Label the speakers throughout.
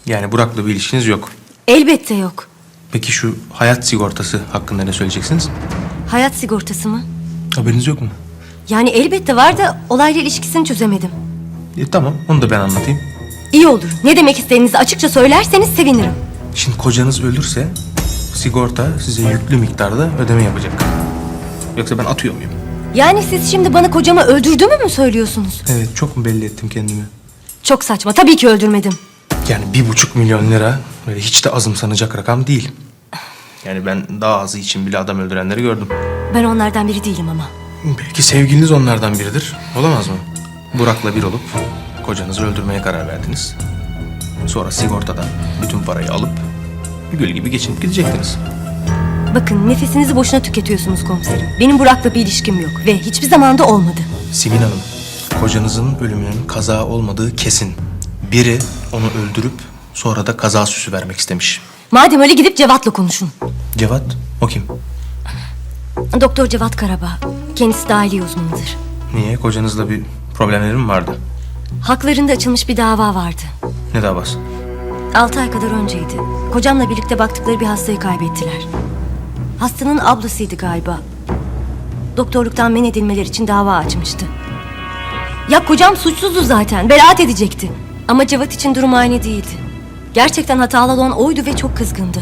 Speaker 1: Yani Burak'la bir ilişkiniz yok.
Speaker 2: Elbette yok.
Speaker 1: Peki şu hayat sigortası hakkında ne söyleyeceksiniz?
Speaker 2: Hayat sigortası mı?
Speaker 1: Haberiniz yok mu?
Speaker 2: Yani elbette var da olayla ilişkisini çözemedim.
Speaker 1: Tamam, onu da ben anlatayım.
Speaker 2: İyi olur. Ne demek istediğinizi açıkça söylerseniz sevinirim.
Speaker 1: Şimdi kocanız ölürse sigorta size yüklü miktarda ödeme yapacak. Yoksa ben atıyor muyum?
Speaker 2: Yani siz şimdi bana kocamı öldürdüğümü mü söylüyorsunuz?
Speaker 1: Evet, çok mu belli ettim kendimi?
Speaker 2: Çok saçma. Tabii ki öldürmedim.
Speaker 1: Yani 1,5 milyon lira böyle hiç de azımsanacak rakam değil. Yani ben daha azı için bile adam öldürenleri gördüm.
Speaker 2: Ben onlardan biri değilim ama.
Speaker 1: Belki sevgiliniz onlardan biridir. Olamaz mı? Burak'la bir olup kocanızı öldürmeye karar verdiniz. Sonra sigortadan bütün parayı alıp gül gibi geçinip gidecektiniz.
Speaker 2: Bakın nefesinizi boşuna tüketiyorsunuz komiserim. Benim Burak'la bir ilişkim yok ve hiçbir zaman da olmadı.
Speaker 1: Simin Hanım, kocanızın ölümünün kaza olmadığı kesin. Biri onu öldürüp sonra da kaza süsü vermek istemiş.
Speaker 2: Madem öyle gidip Cevat'la konuşun.
Speaker 1: Cevat, o kim?
Speaker 2: Doktor Cevat Karabağ. Kendisi dahiliye uzmanıdır.
Speaker 1: Niye? Kocanızla bir problemleri mi vardı?
Speaker 2: Haklarında açılmış bir dava vardı.
Speaker 1: Ne davası?
Speaker 2: 6 ay kadar önceydi. Kocamla birlikte baktıkları bir hastayı kaybettiler. Hastanın ablasıydı galiba. Doktorluktan men edilmeleri için dava açmıştı. Ya kocam suçsuzdu zaten. Beraat edecekti. Ama Cevat için durum aynı değildi. Gerçekten hatalı olan oydu ve çok kızgındı.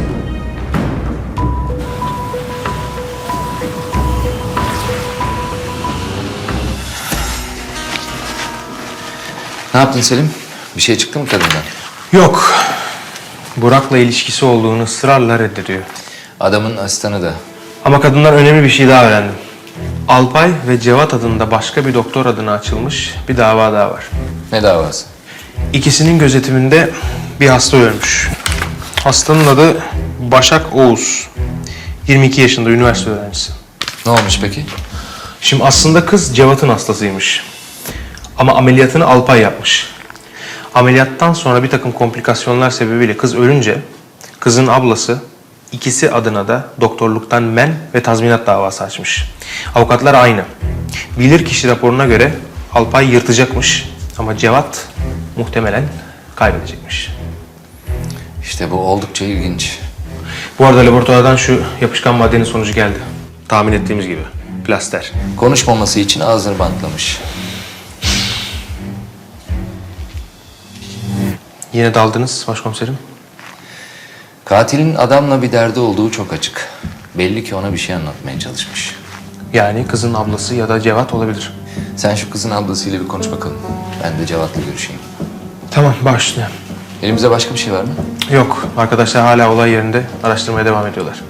Speaker 3: Ne yaptın Selim? Bir şey çıktı mı kadından?
Speaker 1: Yok. Burak'la ilişkisi olduğunu ısrarla reddediyor.
Speaker 3: Adamın asistanı da.
Speaker 1: Ama kadından önemli bir şey daha öğrendim. Alpay ve Cevat adında başka bir doktor adına açılmış bir dava daha var.
Speaker 3: Ne davası?
Speaker 1: İkisinin gözetiminde bir hasta ölmüş. Hastanın adı Başak Oğuz. 22 yaşında üniversite öğrencisi.
Speaker 3: Ne olmuş peki?
Speaker 1: Şimdi aslında kız Cevat'ın hastasıymış. Ama ameliyatını Alpay yapmış. Ameliyattan sonra bir takım komplikasyonlar sebebiyle kız ölünce kızın ablası ikisi adına da doktorluktan men ve tazminat davası açmış. Avukatlar aynı. Bilirkişi raporuna göre Alpay yırtacakmış ama Cevat muhtemelen kaybedecekmiş.
Speaker 3: İşte bu oldukça ilginç.
Speaker 1: Bu arada laboratuvardan şu yapışkan maddenin sonucu geldi. Tahmin ettiğimiz gibi. Plaster.
Speaker 3: Konuşmaması için ağzını bantlamış.
Speaker 1: Yine daldınız başkomiserim.
Speaker 3: Katilin adamla bir derdi olduğu çok açık. Belli ki ona bir şey anlatmaya çalışmış.
Speaker 1: Yani kızın ablası ya da Cevat olabilir.
Speaker 3: Sen şu kızın ablasıyla bir konuş bakalım. Ben de Cevat'la görüşeyim.
Speaker 1: Tamam, başlayalım.
Speaker 3: Elimizde başka bir şey var mı?
Speaker 1: Yok, arkadaşlar hala olay yerinde araştırmaya devam ediyorlar.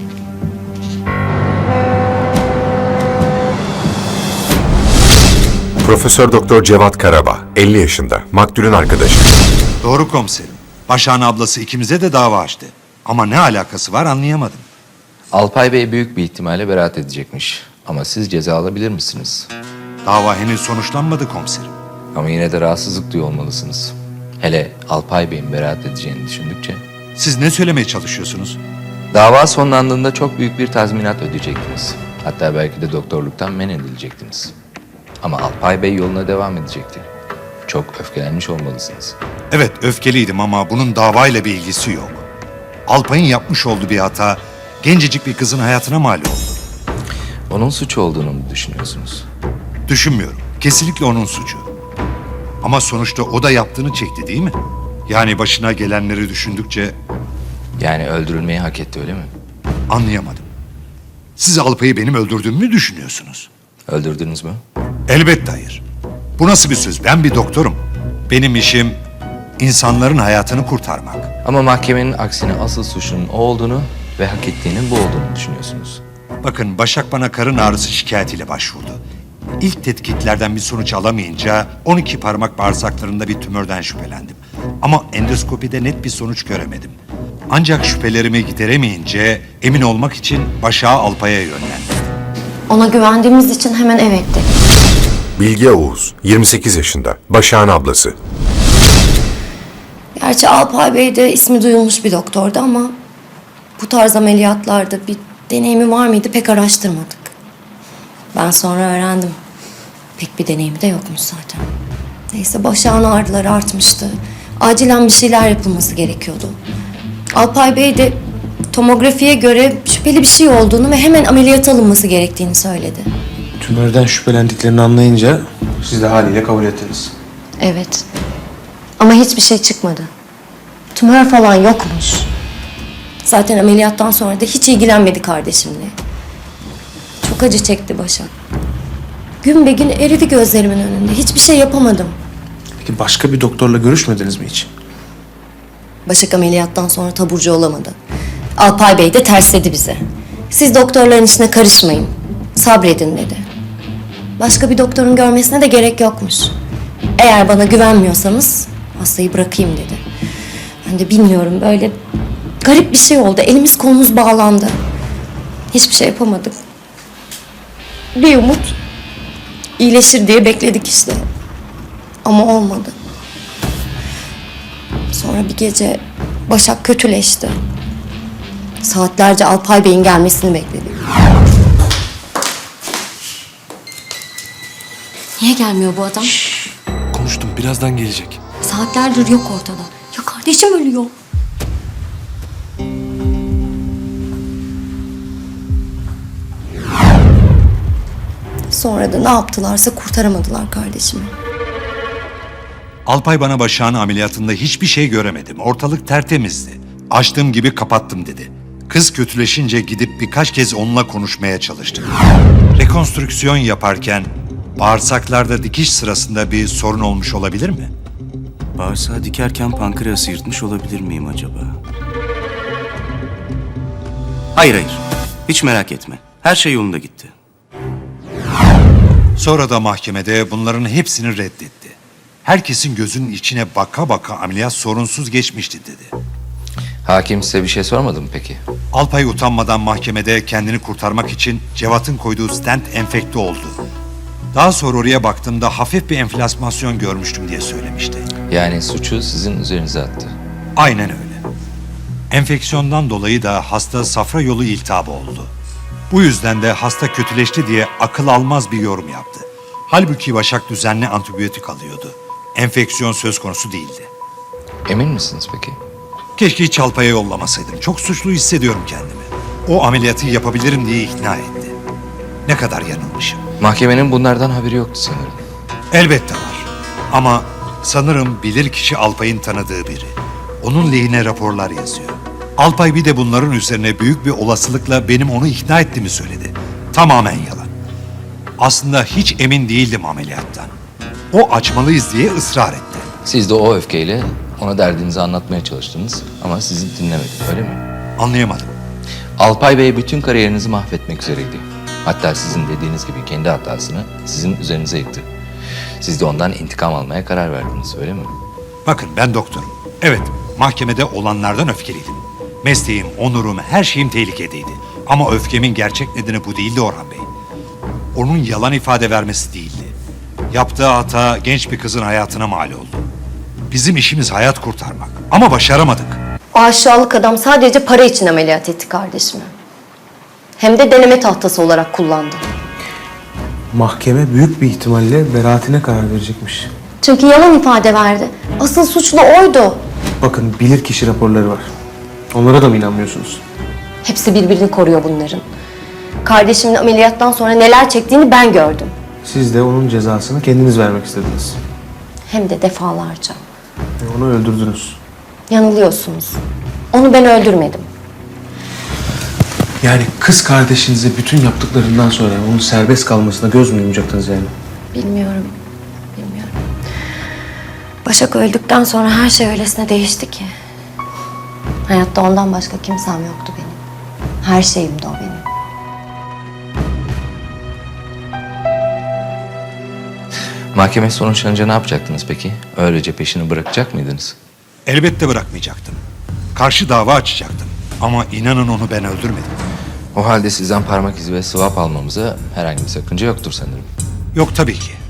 Speaker 4: Profesör Doktor Cevat Karabağ, 50 yaşında, maktulün arkadaşı.
Speaker 5: Doğru komiserim. Başak'ın ablası ikimize de dava açtı. Ama ne alakası var anlayamadım.
Speaker 3: Alpay Bey büyük bir ihtimalle beraat edecekmiş. Ama siz ceza alabilir misiniz?
Speaker 5: Dava henüz sonuçlanmadı komiserim.
Speaker 3: Ama yine de rahatsızlık duyuyor olmalısınız. Hele Alpay Bey'in beraat edeceğini düşündükçe.
Speaker 5: Siz ne söylemeye çalışıyorsunuz?
Speaker 3: Dava sonlandığında çok büyük bir tazminat ödeyecektiniz. Hatta belki de doktorluktan men edilecektiniz. Ama Alpay Bey yoluna devam edecekti. Çok öfkelenmiş olmalısınız.
Speaker 5: Evet öfkeliydim ama bunun davayla bir ilgisi yok. Alpay'ın yapmış olduğu bir hata gencecik bir kızın hayatına mal oldu.
Speaker 3: Onun suçu olduğunu mu düşünüyorsunuz?
Speaker 5: Düşünmüyorum. Kesinlikle onun suçu. Ama sonuçta o da yaptığını çekti değil mi? Yani başına gelenleri düşündükçe
Speaker 3: Yani öldürülmeyi hak etti öyle mi?
Speaker 5: anlayamadım. Siz Alpay'ı benim öldürdüğümü mü düşünüyorsunuz?
Speaker 3: Öldürdünüz mü?
Speaker 5: Elbette hayır. Bu nasıl bir söz? Ben bir doktorum. Benim işim insanların hayatını kurtarmak.
Speaker 3: Ama mahkemenin aksine asıl suçunun o olduğunu ve hak ettiğinin bu olduğunu düşünüyorsunuz.
Speaker 5: Bakın Başak bana karın ağrısı şikayetiyle başvurdu. İlk tetkiklerden bir sonuç alamayınca 12 parmak bağırsaklarında bir tümörden şüphelendim. Ama endoskopide net bir sonuç göremedim. Ancak şüphelerimi gideremeyince emin olmak için Başak'ı Alpay'a yönlendirdim.
Speaker 6: Ona güvendiğimiz için hemen evet dedi.
Speaker 4: Bilge Oğuz, 28 yaşında, Başak'ın ablası.
Speaker 6: Gerçi Alpay Bey de ismi duyulmuş bir doktordu ama bu tarz ameliyatlarda bir deneyimi var mıydı pek araştırmadık. Ben sonra öğrendim. Pek bir deneyimi de yokmuş zaten. Neyse Başak'ın ağrıları artmıştı. Acilen bir şeyler yapılması gerekiyordu. Alpay Bey de tomografiye göre şüpheli bir şey olduğunu ve hemen ameliyata alınması gerektiğini söyledi.
Speaker 1: Tümörden şüphelendiklerini anlayınca siz de haliyle kabul ettiniz.
Speaker 6: Evet. Ama hiçbir şey çıkmadı. Tümör falan yokmuş. Zaten ameliyattan sonra da hiç ilgilenmedi kardeşimle. Çok acı çekti Başak. Gün be gün eridi gözlerimin önünde. Hiçbir şey yapamadım.
Speaker 1: Peki başka bir doktorla görüşmediniz mi hiç?
Speaker 6: Başak ameliyattan sonra taburcu olamadı. Alpay Bey de tersledi bize. Siz doktorların işine karışmayın. Sabredin dedi. Başka bir doktorun görmesine de gerek yokmuş. Eğer bana güvenmiyorsanız hastayı bırakayım dedi. Ben de bilmiyorum, böyle garip bir şey oldu. Elimiz kolumuz bağlandı. Hiçbir şey yapamadık. Bir umut iyileşir diye bekledik işte. Ama olmadı. Sonra bir gece Başak kötüleşti. Saatlerce Alpay Bey'in gelmesini bekledik. Niye gelmiyor bu adam?
Speaker 7: Konuştum, birazdan gelecek.
Speaker 6: Saatlerdir yok ortada. Ya kardeşim ölüyor. Sonra da ne yaptılarsa kurtaramadılar kardeşimi.
Speaker 5: Alpay bana Başak'ın ameliyatında hiçbir şey göremedim. Ortalık tertemizdi. Açtığım gibi kapattım dedi. Kız kötüleşince gidip birkaç kez onunla konuşmaya çalıştım. Rekonstrüksiyon yaparken bağırsaklarda dikiş sırasında bir sorun olmuş olabilir mi?
Speaker 7: Bağırsağı dikerken pankreası yırtmış olabilir miyim acaba? Hayır hayır. Hiç merak etme. Her şey yolunda gitti.
Speaker 5: Sonra da mahkemede bunların hepsini reddetti. Herkesin gözünün içine baka baka ameliyat sorunsuz geçmişti dedi.
Speaker 3: Hakim size bir şey sormadı mı peki?
Speaker 5: Alpay utanmadan mahkemede kendini kurtarmak için Cevat'ın koyduğu stent enfekte oldu. Daha sonra oraya baktığımda hafif bir enflasmasyon görmüştüm diye söylemişti.
Speaker 3: Yani suçu sizin üzerinize attı.
Speaker 5: Aynen öyle. Enfeksiyondan dolayı da hasta safra yolu iltihabı oldu. Bu yüzden de hasta kötüleşti diye akıl almaz bir yorum yaptı. Halbuki Başak düzenli antibiyotik alıyordu. Enfeksiyon söz konusu değildi.
Speaker 3: Emin misiniz peki?
Speaker 5: Keşke hiç Alpay'a yollamasaydım. Çok suçlu hissediyorum kendimi. O ameliyatı yapabilirim diye ikna etti. Ne kadar yanılmışım.
Speaker 3: Mahkemenin bunlardan haberi yoktu sanırım.
Speaker 5: Elbette var. Ama sanırım bilirkişi Alpay'ın tanıdığı biri. Onun lehine raporlar yazıyor. Alpay bir de bunların üzerine büyük bir olasılıkla benim onu ikna ettiğimi söyledi. Tamamen yalan. Aslında hiç emin değildim ameliyattan. O açmalıyız diye ısrar etti.
Speaker 3: Siz de o öfkeyle ona derdinizi anlatmaya çalıştınız ama sizi dinlemedi, öyle mi?
Speaker 5: Anlayamadım.
Speaker 3: Alpay Bey bütün kariyerinizi mahvetmek üzereydi. Hatta sizin dediğiniz gibi kendi hatasını sizin üzerinize yıktı. Siz de ondan intikam almaya karar verdiniz, öyle mi?
Speaker 5: Bakın ben doktorum. Evet, mahkemede olanlardan öfkeliydim. Mesleğim, onurum, her şeyim tehlikedeydi. Ama öfkemin gerçek nedeni bu değildi Orhan Bey. Onun yalan ifade vermesi değildi. Yaptığı hata genç bir kızın hayatına mal oldu. Bizim işimiz hayat kurtarmak ama başaramadık.
Speaker 6: O aşağılık adam sadece para için ameliyat etti kardeşimi. Hem de deneme tahtası olarak kullandı.
Speaker 1: Mahkeme büyük bir ihtimalle beraatine karar verecekmiş.
Speaker 6: Çünkü yalan ifade verdi. Asıl suçlu oydu.
Speaker 1: Bakın bilirkişi raporları var. Onlara da mı inanmıyorsunuz?
Speaker 6: Hepsi birbirini koruyor bunların. Kardeşimin ameliyattan sonra neler çektiğini ben gördüm.
Speaker 1: Siz de onun cezasını kendiniz vermek istediniz.
Speaker 6: Hem de defalarca.
Speaker 1: Ve onu öldürdünüz.
Speaker 6: Yanılıyorsunuz. Onu ben öldürmedim.
Speaker 1: Yani kız kardeşinize bütün yaptıklarından sonra onun serbest kalmasına göz mü yumacaktınız yani?
Speaker 6: Bilmiyorum. Başak öldükten sonra her şey öylesine değişti ki. Hayatta ondan başka kimsem yoktu benim. Her şeyimdi o benim.
Speaker 3: Mahkeme sonuçlanınca ne yapacaktınız peki? Öylece peşini bırakacak mıydınız?
Speaker 5: Elbette bırakmayacaktım. Karşı dava açacaktım. Ama inanın onu ben öldürmedim.
Speaker 3: O halde sizden parmak izi ve swap almamıza herhangi bir sakınca yoktur sanırım.
Speaker 5: Yok tabii ki.